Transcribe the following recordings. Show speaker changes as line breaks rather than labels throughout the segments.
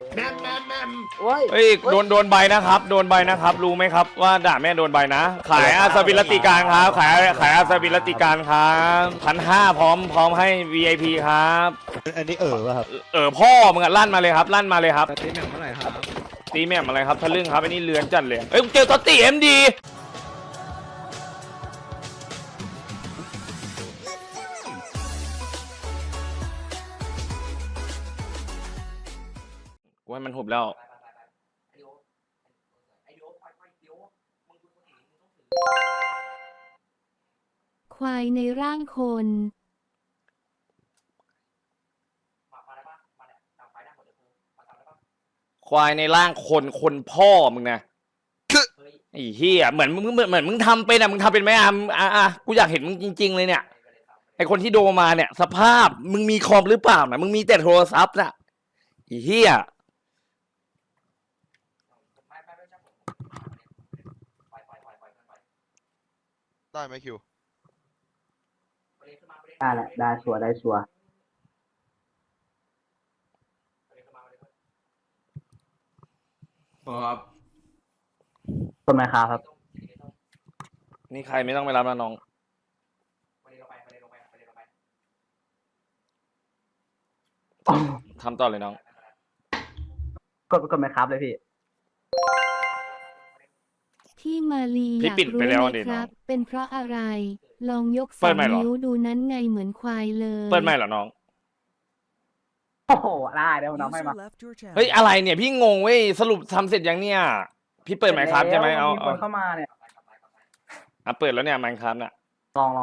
แม่ม
เฮ้ยโดนใบนะครับโดนใบนะครับรู้ไหมครับว่าด่าแม่โดนใบนะขายอาสบิลติการครับขายอาสบิลติการครับ1,500พร้อมให้ VIP ครับ
อันนี้ป่ะครับ
พ่อมึงอะลั่นมาเลยครับลั่นมาเลยครับ
ตีแหม่มเท่าไหร่ครับ
ตีแม่มอะไรครับทะลึ่งครับอันนี้เลือนจัดเลยเอ้ยเจอตอตตี้MDว่ามันหุบแล้ว
ควายในร่างคน
ควายในร่างคนพ่อมึงนะไอ้เหี้ยเหมือนมึงทำเป็นมึงทำเป็นไหมกูอยากเห็นมึงจริงๆเลยเนี่ยไอคนที่โดนมาเนี่ยสภาพมึงมีคอมหรือเปล่านะมึงมีแต่โทรศัพท์น่ะไอ้เหี้ย
ได้ไหมคิว
ได้แหละได้ชัวร์
ครับ
คนไหมครับ
นี่ใครไม่ต้องไปรับนะน้องทำต่อเลยน้อง
กดไหมครับเลยพี่
ที่มาลีอยากรู้ไหมครับเป็นเพราะอะไรลองยก2 นิ้วดูนั้นไงเหมือนควายเลย
เปิดไม่เหรอน้อง
โอ้โหได้เดี๋ยวน้องให้มา
เฮ้ยอะไรเนี่ยพี่งงเว้ยสรุปทำเสร็จยังเนี่ยพี่เปิดไหมครับใช่ไหมเอา
มีคนเข้ามาเนี่ย
เปิดแล้วเนี่ยมันครับเนี่ย
ลอง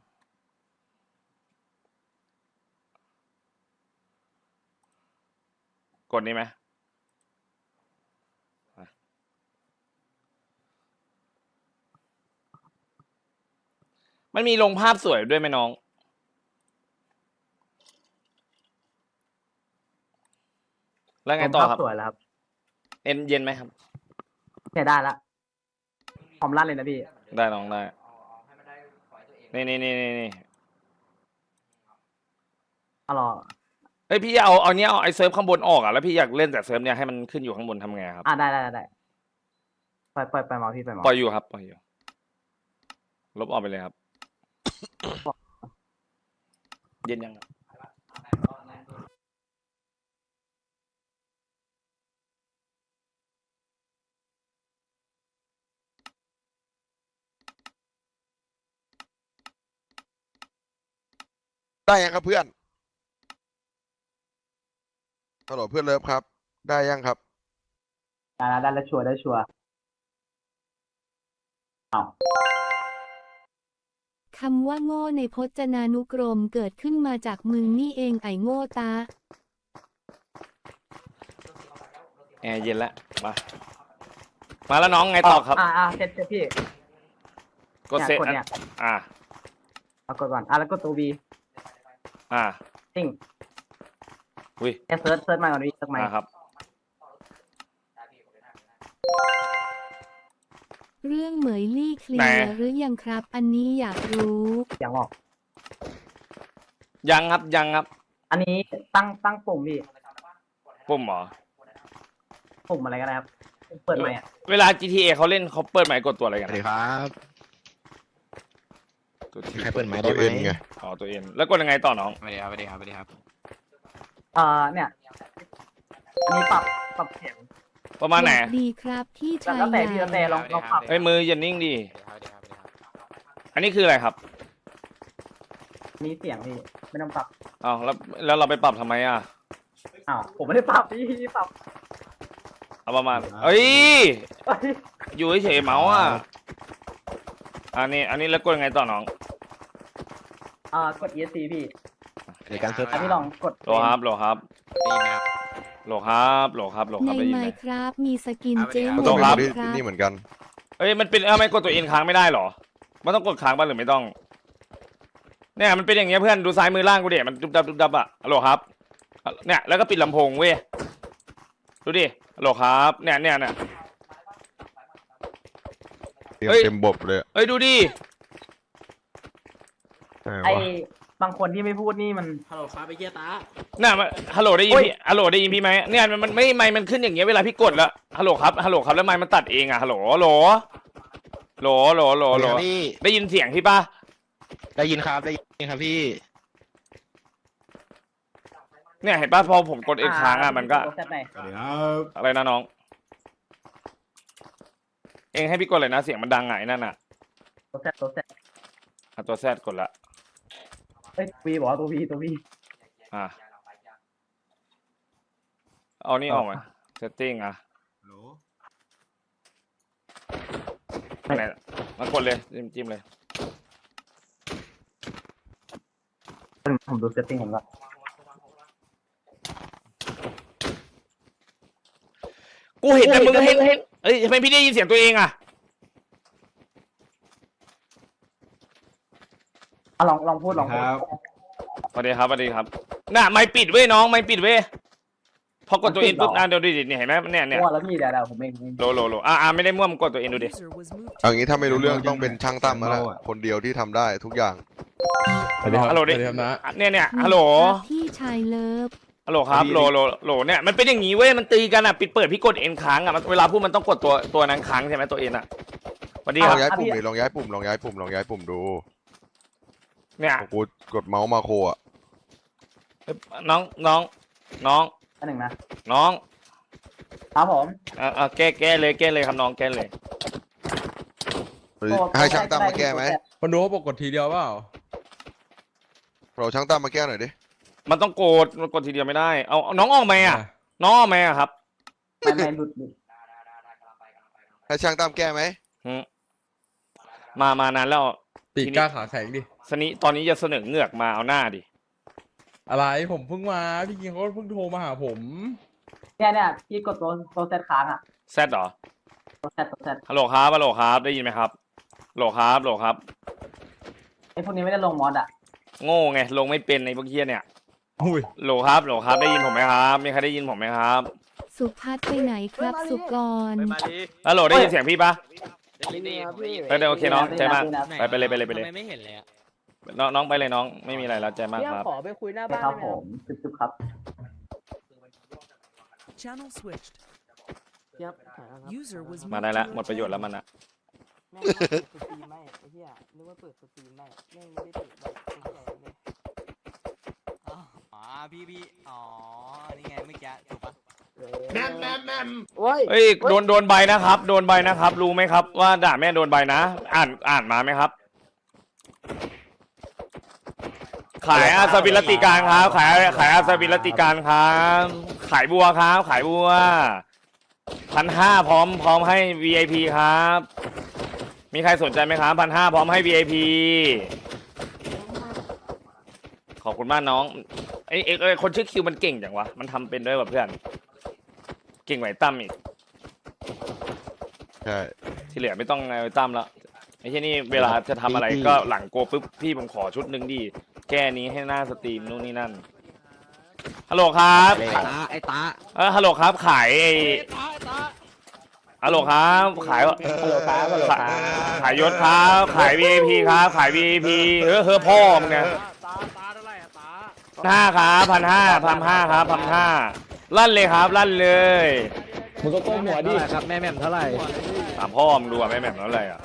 กดนี้ไหมมันมีลงภาพสวยด้วยไหมน้องแล้วไงต่อครับ
สวยแล้วครับ
เย็นไหมครับ
เนี่ยได้ละพร้อมลั่นเลยนะพี่
ได้น้องได้นี่
เอาหรอ
เฮ้ยพี่เอาเนี้ยเอาไอเซิร์ฟข้างบนออกแล้วพี่อยากเล่นแต่เซิร์ฟเนี้ยให้มันขึ้นอยู่ข้างบนทำไงครับ
ได้ไปมาพี่ไปมา
ปล่อยอยู่ครับปล่อยอยู่ลบออกไปเลยครับเย็นยัง
ได้ยังครับเพื่อนฮัลโหลเพื่อนเลิฟครับได้ยังครับ
ได้แล้วชัวร์เอา
คำว่าโง่ในพจนานุกรมเกิดขึ้นมาจากมึงนี่เองไอ้โง่ตา
แอร์เย็นแล้วมาแล้วน้องไงต่อครับ
เซ็ตพี่
กดเซ็ต
เนี่ยเอากดก่อนแล้วก็ตัว V ติ้ง
อุ้ย
เซิร์ชมาก่อนพี่เซิร์ชมา
ครับ
เรื่องเหมยลี่เคลียร์หรือยังครับอันนี้อยากรู้
ยังหรอก
ยังครับ
อันนี้ตั้งปุ่มพี่
ปุ่มหรอ
ปุ่มอะไรก็ได้ครับเปิดใหม่
เวลา GTA เขาเล่นเขาเปิดใหม่กดตัวอะไรกัน
สวัสดีครับ
ใครเปิดไม้ได้ไหม
ตัวเอ็นแล้วกดยังไงต่อน้อง
สวัสดีครับ
เนี่ยอันนี้ปรับเสียง
ประมาณไหน
ดีครับพี่ชาย
แล้วแต่พี่แต่ลองปรับ
มืออย่านิ่งดิอันนี้คืออะไรครับ
มีเสียงพี่ไม่ต้องปรับ
แล้วเราไปปรับทำไม
ผมไม่ได้ปรับพี่ปรับ
เอาประมาณอยู่เฉยๆเมาส์อันนี้แล้วกดยังไงต่อน้อง
กด ESC พี่
ในการเซิร์ช
พี่ลองกด
โหลครับได้ยินไหมครับโหลครับ
ในไมค์ครับมีสกินเจม
ต้องครับนี่เหมือนกัน
มันเป็นไม่กดตัวเอ็นค้างไม่ได้หรอมันต้องกดค้างบ้างหรือไม่ต้องเนี่ยมันเป็นอย่างเงี้ยเพื่อนดูซ้ายมือล่างกูเดี๋ยมันดุบดับโหลครับเนี่ยแล้วก็ปิดลำโพงเว้ยดูดิโหลครับเนี่ย
เต็มบบเลย
ดูดิ
ไอ้บางคนที่ไม่พูดนี่มัน
ฮัลโหลครับไปเกียร์ตา
น่ะฮัลโหลได้ยินพี่ฮัลโหลได้ยินพี่ไหมเนี่ยมันไม่ไมค์มันขึ้นอย่างเงี้ยเวลาพี่กดแล้วฮัลโหลครับแล้วไมค์มันตัดเองอะฮัลโหล
พี่
ได้ยินเสียงพี่ป่ะ
ได้ยินครับได้ยินครับพี่
เนี่ยเห็นป่ะพอผมกดเองค้างอะมันก็
โซเซตไหน
สวัสดีครับ
อะไรนะน้อง เองให้พี่กดเลยนะเสียงมันดังไงนั่นน่ะ
โซเซต
ตัวแซดกดละ
เฮ้ยวีบอกว่าตัววี
อ่ะเอานี่ออกมาเซตติ้งอ่ะ
ฮัลโหล
ไหนมากดเลยจิ้มเลย
ผมดูเซตติ้งผมละ
กูเห็นแต่มึงเห็นเอ้ยทำไมพี่ได้ยินเสียงตัวเองอ่ะ
ลองพูด
ครับ
สวัสดีครับน่ะไม่ปิดเว้ยน้องไม่ปิดเว้ยพอกดตัวเองปุ๊บเดี๋ยวดิเนี่ยเห็นไหมเนี่ย
มั่วแล้วพี่เดี๋ยวผมเอง
โลไม่ได้มั่วมึงกดตัวเองดูดิ
เอางี้ถ้าไม่รู้เรื่องต้องเป็นช่างตั้มแล้วแหละคนเดียวที่ทำได้ทุกอย่าง
ฮัลโหลดิเนี่ยฮัลโหล
ครับพี่ชายเลิฟ
ฮัลโหลครับโหลเนี่ยมันเป็นอย่างงี้เว้ยมันตีกันอ่ะปิดเปิดพี่กดเอ็นค้างอ่ะเวลาพูดมันต้องกดตัวนั้นค้างใช่ไหมตัวเอ็นอ่ะสวัสดี
ล
ค
อ
รับ
งย้ายปุ่มดิลองย้ายปุ่มดู
เนี่ย
กูกดเมาส์มาโคอ่ะ
น้อง
อันหนึ่งนะ
น้อง
ครับผม
แก้เลยครับน้องแก้เลย
ให้ช่างตั้มมาแก้ไหม
คนดูเขาบอกกดทีเดียวเปล่า
เราช่างตั้มมาแก้หน่อยดิ
มันต้องกดทีเดียวไม่ได้เอาน้องออกไหมอ่ะน้องออกไหมอ่ะครับ
ไม่หลุด
ให้ช่างตั้มแก้ไหม
มานานแล้ว
ปีกกล้าขาแข็งดิ
ตอนนี้จะเสนอเงือกมาเอาหน้าดิ
อะไรผมเพิ่งมาพี่กิงเขาเพิ่งโทรมาหาผม
เนี่ยพี่กดโซเซตค้างอ่ะ
แซดเหรอ
โซเซต
ฮัลโหลครับได้ยินไหมครับโหลครับ
ไอ้พวกนี้ไม่ได้ลงมอดอ่ะ
โง่ไงลงไม่เป็นในพวกเฮียเนี่ย
อุ้ย
โหลครับได้ยินผมไหมครับมีใครได้ยินผมไหมครับ
สุพัฒน์ไปไหนครับสุกร
ฮัลโหลได้ยินเสียงพี่ปะ
ได้ยินครับพี่
โอเคน้องใจมากไปเลย
ทำไมไม่เห็นเลยอะ
น้องไปเลยน้องไม่มีอะไรแล้วใจมากครับ
ขอไปคุยหน้า
ใช่
บ้าน
ครับ
ได้ไห
ผมจุบครับ
Channel switched.
ครับถ่ายแล้วครับ
User was
มา
moved
ได้
to
แล้ว
your
หมดประโยชน์แล้วมันอะ
แม่งว่าเปิดสตรีมไม่ไอ้เหี้ยนึกว่าเปิดสตรีมไม่แม่งไม่ได้เปิดแบบไอ้เหี้ยเลย
อ๋อพี่อ๋อ นี่ไงเมื่อกี้ถูกปะ
โอ้ย
เฮ้ยโดนใบนะครับโดนใบนะครับรู้ไหมครับว่าด่าแม่โดนใบนะอ่านมาไหมครับ ขายอาสบิลติการครับขายอาสบิลติการครับขายบัวครับขายบัว1,500พร้อมให้ VIP ครับ มีใครสนใจไหมครับ1,500พร้อมให้ VIP ขอบคุณมากน้องไอ้คนชื่อคิวมันเก่งจังวะมันทำเป็นด้วยแบบเพื่อนเก่งไหวตั้มอีก
ใช่
ที่เหลือไม่ต้องไอ้ตั้มแล้วไอ้ที่นี่เวลาจะทำอะไรก็หลังโกปุ๊บพี่ผมขอชุดหนึ่งดิแก้นี้ให้หน้าสตรีมนู่นนี่นั่นฮัลโหลครับ
ไอ้ตา
ฮัลโหลครับขายฮัลโหลครับขาย
ฮัลโหลครับฮัลโหลครับ
ขายยศครับขาย VIP ครับขาย VIP เฮ้อพ่อมึงเนี่ย1,500ครับ1,500ครับ1,500ลั่นเลยครับลั่นเลย
มึงก็ก้มหัวดิ
ครับแม่แม่มเท่าไหร่
ถามพ่อมึงดูอ่ะแม่แหม่มแล้วอะไรอ่ะ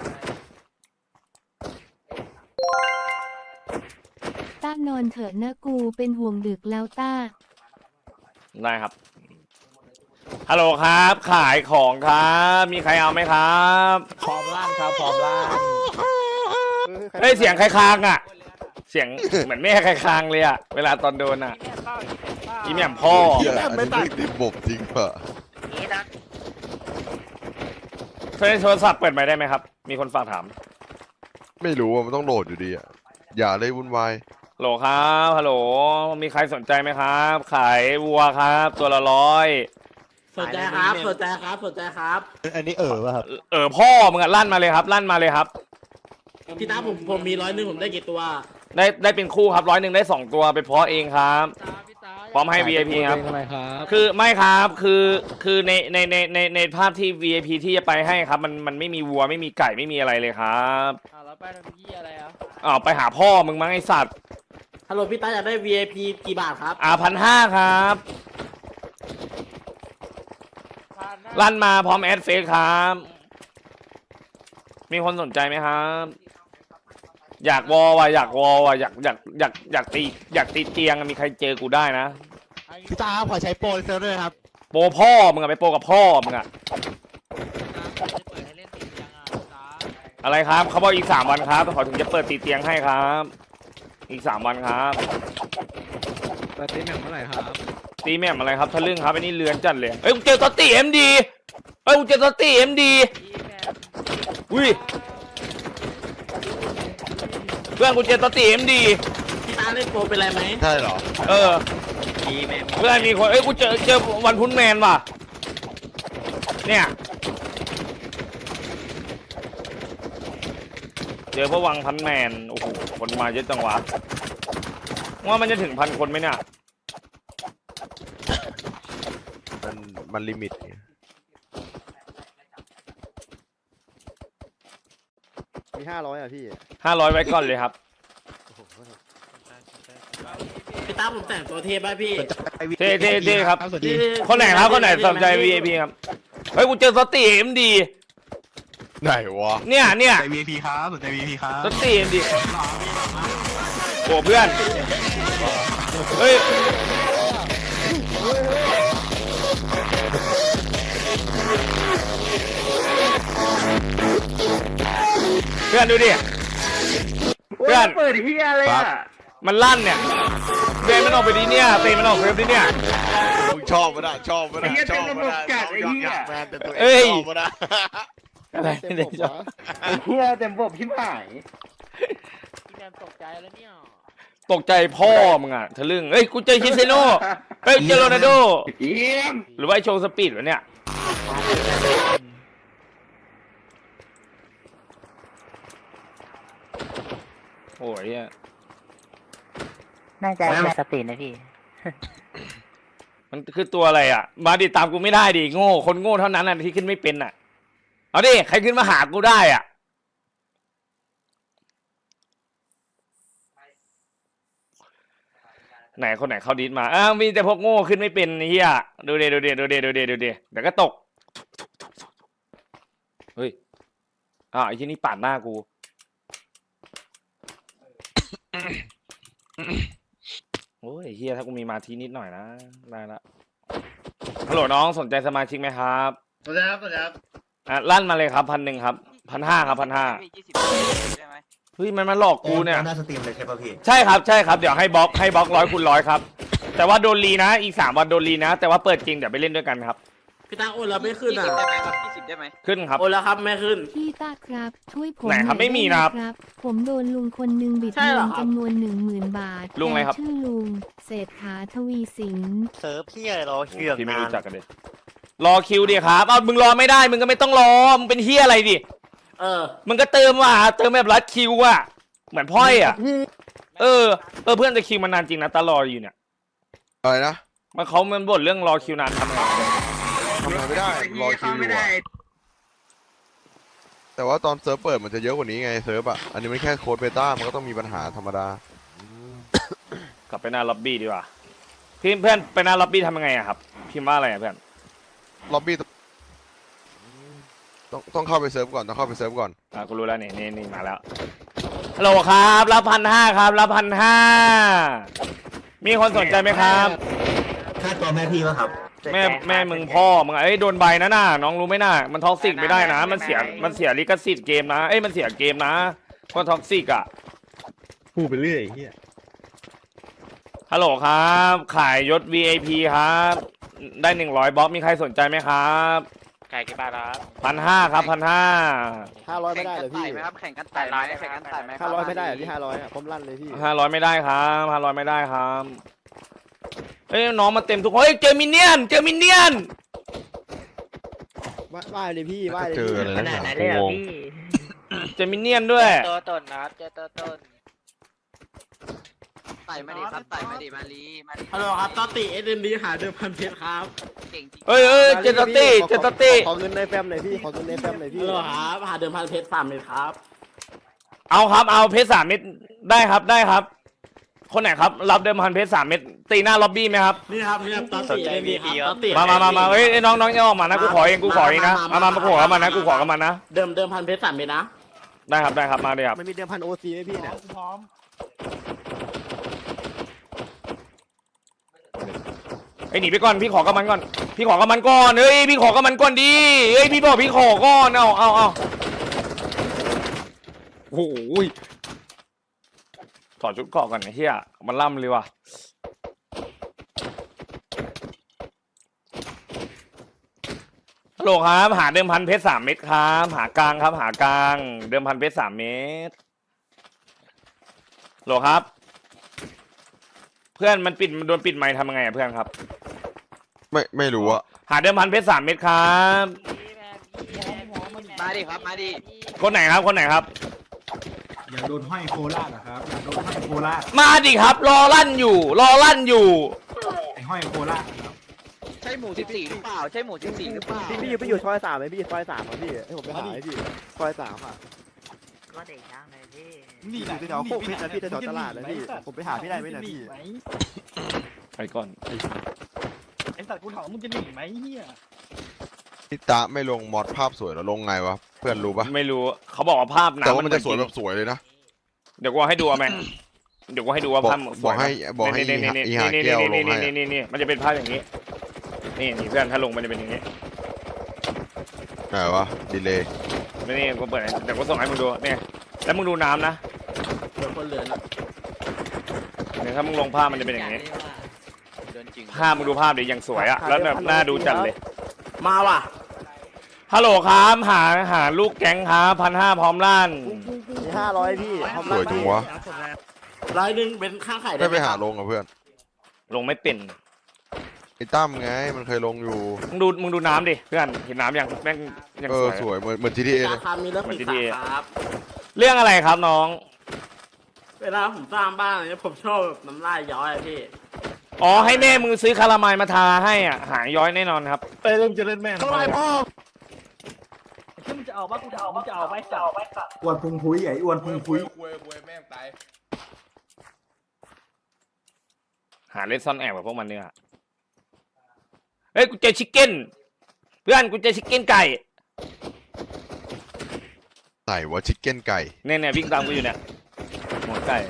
ต้านอนเถอะนะกูเป็นห่วงดึกแล้วต้า
ได้ครับฮัลโหลครับขายของครับมีใครเอาไหมครับ
พร้อมล่างครับพร้อมล่าง
เฮ้ยเสียงใครค้างอ่ะ เสียงเหมือนแม่ใครค้างเลยอ่ะเวลาตอนโดนอ่ะอีแหม่มพ่อ
เหี้ยอันนี้ไม่ติดบบจริงเปล่า
โทรศัพท์เปิดไมค์ได้ไหมครับ มีคนฝากถาม
ไม่รู้ว่ามันต้องโหลดอยู่ดีอ่ะอย่าเลยวุ่นวาย
ฮัลโหลครับฮัลโหลมีใครสนใจไหมครับ ขายวัวครับ ตัวละ100
สนใจครับสนใจครับสนใจครับ
อันนี้ป่ะครับ
พ่อมึงอ่ะลั่นมาเลยครับลั่นมาเลยครับ
พี่ตาผมมี100ผมได้กี่ตัว
ได้เป็นคู่ครับ100ได้2ตัวไปเพาะเองครับ
พี่ตาอย
พร้อมให้ VIP ครับ
ทำไมครับ
คือไม่ครับคือในภาพที่ VIP ที่จะไปให้ครับ มันไม่มีวัวไม่มีไก่ไม่มีอะไรเลยครับ
แล้วไปทำยี่อะไรอ่ะ
ไปหาพ่อมึงมั้งไอสัตว์
ฮัลโหลพี่ตาอยากได้ VIP กี่บาทครับ
1,500ครับลั่นมาพร้อมแอดเฟซครับ มีคนสนใจไหมครับ อยากวอว่ะอยากวอว่ะอยากตีเตียงมีใครเจอกูได้นะ
พี่ตาขอใช้โปรเซอร์ด้วยครับ
โปรพ่อมึงอะไปโปรกับพ่อมึงอะอะไรครับเขาบอกอีก3 วันครับขอถึงจะเปิดตีเตียงให้ครับ อีก3 วันครับ
ปาร์ตี้แมวเมื่อไหร่ครับ
ตีแม่มอะไรครับทะลึ่งครับไอ้นี่เลือนจัดเลยเอ้ยกูเจอตอตตี้เอ็มดีกูเจอตอตตี้เอ็มดีอุ้ยเพื่อนกูเจอตอตตี้เอ็มดี
พี่ตาเล่นโปรเป็นไรไหม
ใช่เหรอ
เออเพื่อนมีคนกูเจอวันพุธแมนว่ะเนี่ยเจอพวกวังพันแมนโอ้โหคนมาเยอะจังวะว่ามันจะถึง1,000 คนไหมเนี่ย
มันลิมิตไง
มี500อ่ะพี่
500ไว้ก่อนเลยครับ
พี่ตาผมแต่งตัวเทปป่ะพี่
เท่ครับ
สวัสดี
คนไหนครับคนไหนสนใจ VIP ครับเฮ้ยกูเจอสตีเอ็มดี
ไหนวะ
เนี่ย
ใจ VIP ครับสนใจ VIP ครับ
สตีเอ็มดีโอ้เพื่อนเฮ้ยเพื่อนดูดิเพื่อน
เปิดเฮียอะไรอ่ะ
มันลั่นเนี่ยเตะมันออกไปดิเนี่ยเตะมันออกเฟฟดิเนี่ย
มึงชอบมันอ่ะชอบมันอ่ะชอบมันอ่ะอยากแมนแต่ตัวเองชอบมันอ่ะ
อะไรเนี่ยชอบ
เฮียเต็มบบพี่หาย
พี่แมนตกใจแล้วเนี่ย
ตกใจพ่อมึงอ่ะทะลึ่งเฮ้ยกูเจอคริสเซโน่เฮ้ยเจอโรนัลโด
เยี่ยม
หรือว่าไอโชว์สปีดวะเนี่ยโอ้ย
น่าจะสปีดนะพี่
มันคือตัวอะไรอ่ะ มาดิตามกูไม่ได้ดิโง่คนโง่เท่านั้นน่ะที่ขึ้นไม่เป็นอ่ะเอาดิใครขึ้นมาหากูได้อ่ะไหนคนไหนเข้าดิสมามีแต่พวกโง่ขึ้นไม่เป็นไอ้เหี้ยดูเดี๋ยวก็ตกเฮ้ยไอ้ที่นี่ปาดหน้ากูโอ้ยไอ้เหี้ยถ้ากูมีมาทีนิดหน่อยนะได้ละฮัลโหลน้องสนใจสมาชิกไหมครับ
สวัสดีครับ
ลั่นมาเลยครับ1,000ครับ1,500ครับ1,500เฮ้ยมันมาหลอกกูเนี่ย
หน้าสตรีมเลยใช่ป่ะพี่
ใช่ครับเดี๋ยวให้บล็อก100 คูณ 100ครับแต่ว่าโดนรีนะอีก3 วันโดนรีนะแต่ว่าเปิดจริงเดี๋ยวไปเล่นด้วยกันครับ
พี่ตาโอนแล้วไม่ขึ้นอ่ะ
ขึ้นครับ
โอนแล้วครับไม่ขึ้น
พี่ตาครับช่วยผม
ไหนครับ
อย
ไม่มี
ด้ห
นะครับ
ผมโดนลุงคนหนึ่งบิด
ใช่
เงิ
เหรอน ครับ
จำนวน 10,000 บาท
ลุงอะไรครับ
แกชื่อลุงเศรษฐาทวีสิน
เซิร์ฟพี่อะไรรอเชื่อ
พี่ไม่รู้จักกันเลยรอคิวดิครับมึงรอไม่ได้มึงก็ไม่ต้องรอมึงเป็นเฮียอะไรดิ มึงก็เติมแบบรัดคิวอ่ะเหมือนพ่อยอ่ะเพื่อนจะคิวมานานจริงนะตลอดอยู่เนี่ย
อะไรนะ
มันบ่นเรื่องรอคิวนานทำไง
ทำอะไรไม่ได้รอคิวอยู่อะแต่ว่าตอนเซิร์ฟเปิดมันจะเยอะกว่านี้ไงเซิร์ฟอ่ะอันนี้มันแค่โค้ดเบต้ามันก็ต้องมีปัญหาธรรมดาก
ลับไปหน้าล็อบบี้ดีกว่าพี่เพื่อนไปหน้าล็อบบี้ทำยังไงอะครับพิมพ์ว่าอะไรอะเพื่อน
ล็อบบี้ต้องเข้าไปเซิร์ฟก่อน
กูรู้แล้วนี่มาแล้วฮัลโหลครับรับ1,500ครับรับ1,500มีคนสนใจไหมครับ
ค่าตัวแม่พี่ป่ะครับ
แม่มึงพ่อมึงโดนใบนะน่ะน้องรู้ไหมน่ะมันท็อกซิกไม่ได้นะมันเสียลิขสิทธิ์เกมนะมันเสียเกมนะก็ท็อกซิกอ่ะ
พูดไปเรื่อยเฮีย
ฮัลโหลครับขายยศ VIP ครับได้100บล็อกมีใครสนใจไหมครับ
ไก่กี่บาทครับ
1,500ครับ1,500
500ไม่ได้เหรอพี่
แข่งกันไต่ไหมแข่งกันไต่ไหม
500ไม่ได้เหรอพี่500อ่ะผมลั่นเลยพี่
500ไม่ได้ครับ500ไม่ได้ครับน้องมาเต็มทุกคนเจอมินเนี่ยน
ว่ายเลยพี่ว่ายเลย
เจออะไรนะงง
เจอมินเนี่ยนด้วย
ตัวตนนะครับเจอตัวตน
ไต่มาดิครับไต่มาดิมาลีมาลี
ฮัลโหลครับตอติSMD หาเดิมพันเพชรครับ
เก่งจริง
เอ้ยเจตตี้เจตตี้
ขอเงินในแฟมหน่อยพี่ขอเงินในแฟมหน่อยพี่
ฮัลโหลครับหาเดิมพันเพชร3 เม็ดครับ
เอาครับเอาเพชร3 เม็ดได้ครับได้ครับ คนไหนครับรับเดิมพันเพชร3 เม็ดตีหน้าล็อบบี้ไหมครับ
นี่ครับนี่ครับตอติSMD ครับตอติ
มาเฮ้ยน้องอย่าออกมานะกูขอเองนะมากูขอกับมันนะกูขอกับมันนะ
เดิมพันเพชร3 เม็ดนะ
ได้ครับมาเลยครับ
มันมีเดิมพันโอซีไหมพี่เนี่ย
พร้อม
ไอ้หนีไปก่อนพี่ขอกับมันก่อนพี่ขอกับมันก่อนเฮ้ยพี่ขอกับมันก่อนดิเฮ้ยพี่บอกพี่ขอก่อนเอาโอ้โหถอดชุดเกราะก่อนไอ้เหี้ยมันล่ำเลยว่ะฮัลโหลครับหาเดิมพันเพชร3 เม็ดครับหากลางครับหากลางเดิมพันเพชร3 เม็ดฮัลโหลครับเพื่อนมันโดนปิดไมค์ทำยังไงอะเพื่อนครับ
ไม่รู้อะ
หาเดิมพันเพชร3 เม็ดครับ
มาดิครับมาดิ
คนไหนครับ
อยากโดนห้อยโคราชเหรอครับอยากโดนห้อยโคราช
มาดิครับรอลั่นอยู่
ไอ้ห้อยโคราชครับ
ใช่หมู14หรือเปล่าใช่หมู14หรือเปล่า
พี่อยู่ซอย3ไหมพี่ซอย3อ่ะพี่ให้ผมไปหาให้พี่ซอย3อ่ะ
ก็เด็กช่างเลยพี่
นี่
อยู่แถวโคกเพชรนะพี่แถวตลาดนะพี่ผมไปหาพี่ได้ไหมนะพี่
ไปก่อน
ไอ้สัตว์กูถามมึงจะหนีไหมเฮีย
พี่ตาไม่ลงมอดภาพสวยแล้วลงไงวะเพื่อนรู้ปะ
ไม่รู้เขาบอกว่าภาพ
แต่ว่า
น้ำ
มันจะสวยแบบสวยเลยนะ
เดี๋ยวกูให้ดูเอาไหมเดี๋ยวกูให้ดูว่าภาพส
บอ
วย
กให้อีหาแก้วลงให้
นี่มันจะเป็นภาพอย่างนี้นี่เพื่อนถ้าลงมันจะเป็นอย่างนี้
ไหนวะดีเลย
นี่กูเปิดเดี๋ยวกูส่งให้มึงดูเนี่ยแล้วมึงดูน้ำนะ
เดิมคนเหลือนะ
เนี่ยถ้ามึงลงภาพมันจะเป็นอย่างนี้
เดินจริง
ภาพมึงดูภาพดิยังสวยอะแล้วแบบน่าดูจัดเลย
มาว่ะ
ฮัลโหลครับหาลูกแก๊งครับ1,500พร้อมลั่น
มี500พี่
สวยจังวะ
100เป็นค่าขายได้
ไม่ไปหาลงกับเพื่อน
ลงไม่เป็น
ไอ้ตั้มไงมันเคยลงอยู่
มึงดูน้ำดิเพื่อนเห็นน้ำยังแม่งยังสวย
สวยเหมือน GTA เล
ราย คามีเรื่องปิดครับ
เรื่องอะไรครับน้อง
เวลาผมสร้างบ้านเนี่ยผมชอบแบบน้ำลายย้อยอะพี่
อ๋อให้แม่มึงซื้อคาราไมล์มาทาให้อ่ะหายย้อยแน่นอนครับ
ไปเริ่มจะเล่นแม่ง
เท่าไรพ่อ
ถ้ามึงจะเอาบ้ากูจะเอามึงจะเอาไปสัตว์
อ้วนพุงพุ้ยไอ้อ้วนพุงพุ้ย
หาเล่นซ่อนแอบกับพวกมันเนี่ยเฮ้ยกูเจอชิคเก้นเพื่อนกูเจอชิคเก้นไก่
ไหนวะชิคเก้นไก่
เนี่ยวิ่งตามกูอยู่เนี่ยหมดไก่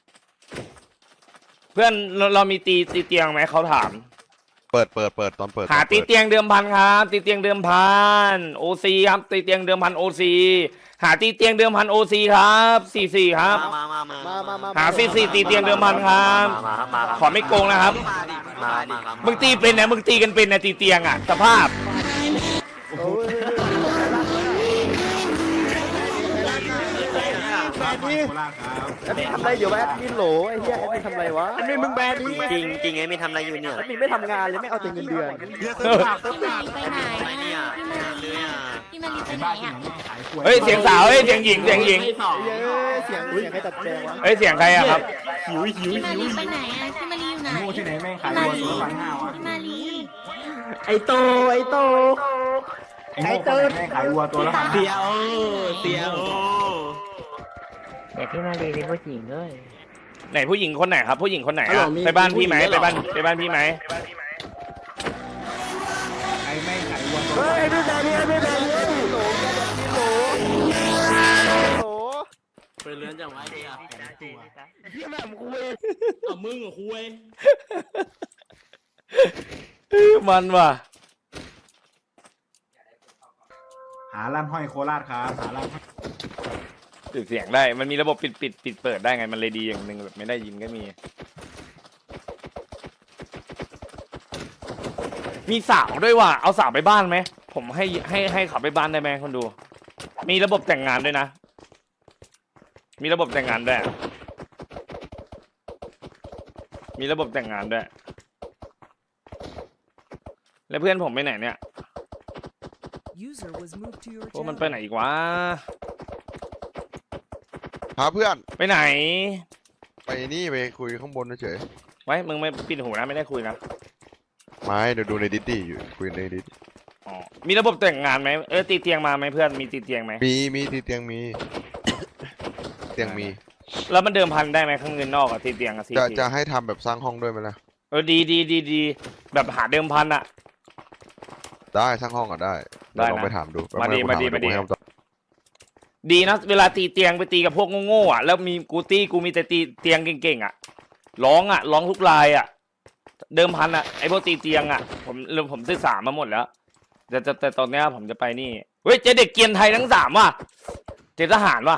เพื่อนเรามีตีเตียงไหมเขาถาม
เปิดตอนเปิด
หาตีเตียงเดิมพันครับตีเตียงเดิมพันโอซีครับตีเตียงเดิมพันโอซีหาตีเตียงเดิมพันโอซีครับ44ครับ
มา
หา44ตีเตียงเดิมพันครับขอไม่โกงนะครับ
มาครับ
มึงตีเป็นนะมึงตีกันเป็นนะตีเตียงอ่ะสภาพ
โอ้ย
ห้อยโคราชครับ
แอดมินทำอะไรอยู่วะแอดมินโหลไอ้เหี้ยแอดมินทำอะไรวะแอดมินมึงแบนดิ
จริงไงไม่ทำอะไรอยู่เนี่ย
แอดมินไม่ทำงานเลยไม่เอาแต่เงินเดือน
ไปไหน
อะไรเนี่ย
พี่มารีไปไหนอ่ะ
เฮ้ยเสียงสาวเฮ้ยเสียงหญิง
ให้สอง
เย้ยเสียงใครตัดแจงวะ
เฮ้ยเสียงใครอะครับ
พี่มารีไปไหนอ่ะพี่มารีอยู่ไหน
โง่ที่ไหนแม่งขาย
พี่
วั
มาว รี
ตัวละ1,500วะ
พี่มารี
ไอโต
ไอ้โง่คนไหนแม่งขายวัวตัวละ1,500
เตียวเตียว
แต่พี่มารีเป็นผู้หญิงด้วย
ไหนผู้หญิงคนไหนครับ ผู้หญิงคนไหนอะไปบ้านพี่ไหมไปบ้านพี่ไหม
ไอ้แม่งขายวัวตัว
เฮ้
ละ
ยไม่แบนดิไม่แบนดิโหลโหลโหล
เป็นเรือนจังไว้เดียว
พี่แม่ผมคุย
เอามึงกับคุย
มันว่ะ
หาร้านห้อยโคราชครับหาร้าน
ปิดเสียงได้มันมีระบบปิดเปิดได้ไงมันเลยดีอย่างหนึ่งแบบไม่ได้ยินก็มีสาวด้วยว่ะเอาสาวไปบ้านไหมผมให้ขับไปบ้านได้ไหมคนดู มีระบบแต่งงานด้วยนะมีระบบแต่งงานด้วยมีระบบแต่งงานด้วยแล้วเพื่อนผมไปไหนเนี่ยพวกมันไปไหนอีกวะ
หาเพื่อน
ไปไหน
ไปนี่ไปคุยข้างบนเฉย
ไว้มึงไม่ปิดหูนะไม่ได้คุยนะ
ๆไม่เดี๋ยวดูในดิสดี้อยู่คุยในดิส
อ๋อมีระบบแต่งงานไหมตีเตียงมาไหมเพื่อนมีตีเตียงไหม
มีที่เตียงมี เตียงมี
แล้วมันเดิมพันได้ไหมข้างเงินนอกอะตีเตียงอะซี
จะให้ทำแบบสร้างห้องด้วยไหมล่ะ
ดีแบบหาเดิมพันอะ
ได้สร้างห้องก็ได้เดี๋ยวลองไปถามดู
มาดี
เยวกูให้คำตอบ
ดีนะเวลาตีเตียงไปตีกับพวกโง่ๆอะแล้วมีกูมีแต่ตีเตียงเก่งๆอะร้องทุกลายอะเดิมพันอะไอพวกตีเตียงอะผมศึกษามาหมดแล้วแต่ตอนเนี้ยผมจะไปนี่เฮ้ยเจอเด็กเกียนไทยทั้งสามว่ะเจอทหารว่ะ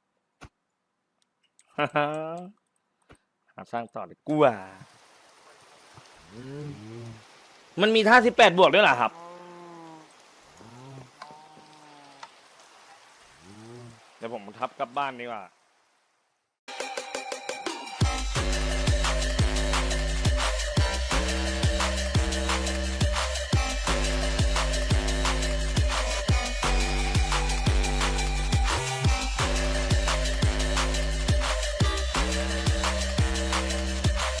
หาสร้างต่อดีกว่ามันมีท่า18 บวกด้วยเหรอครับเดี๋ยวผมทับกลับบ้านดีกว่า